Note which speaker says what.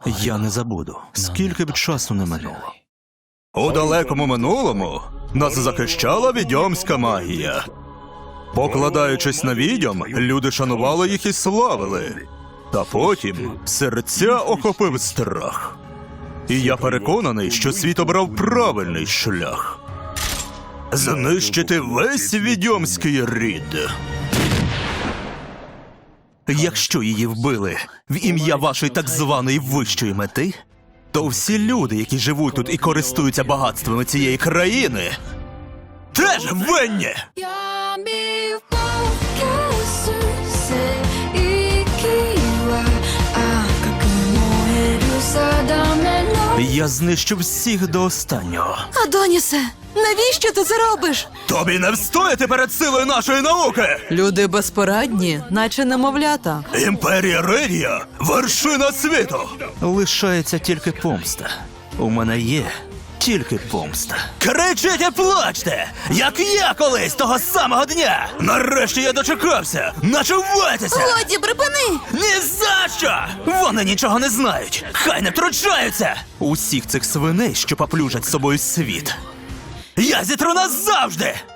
Speaker 1: Я не забуду, скільки б часу не минуло.
Speaker 2: У далекому минулому нас захищала відьомська магія. Покладаючись на відьом, люди шанували їх і славили. Та потім серця охопив страх. І я переконаний, що світ обрав правильний шлях. Знищити весь відьомський рід.
Speaker 1: Якщо її вбили в ім'я вашої так званої вищої мети, то всі люди, які живуть тут і користуються багатствами цієї країни, теж винні!
Speaker 3: Я мій серце і ківа, а як燃садамено.
Speaker 1: Я знищу всіх до останнього.
Speaker 4: Адонісе, навіщо ти це робиш?
Speaker 2: Тобі не встояти перед силою нашої науки!
Speaker 4: Люди безпорадні, наче немовлята.
Speaker 2: Імперія Ридія – вершина світу!
Speaker 1: Лишається тільки помста. У мене є тільки помста.
Speaker 2: Кричіть і плачте, як я колись того самого дня! Нарешті я дочекався! Начувайтеся!
Speaker 4: Годі, припини!
Speaker 2: Ні за що!
Speaker 1: Вони нічого не знають! Хай не втручаються! Усіх цих свиней, що поплюжать з собою світ.
Speaker 2: Я зітру назавжди!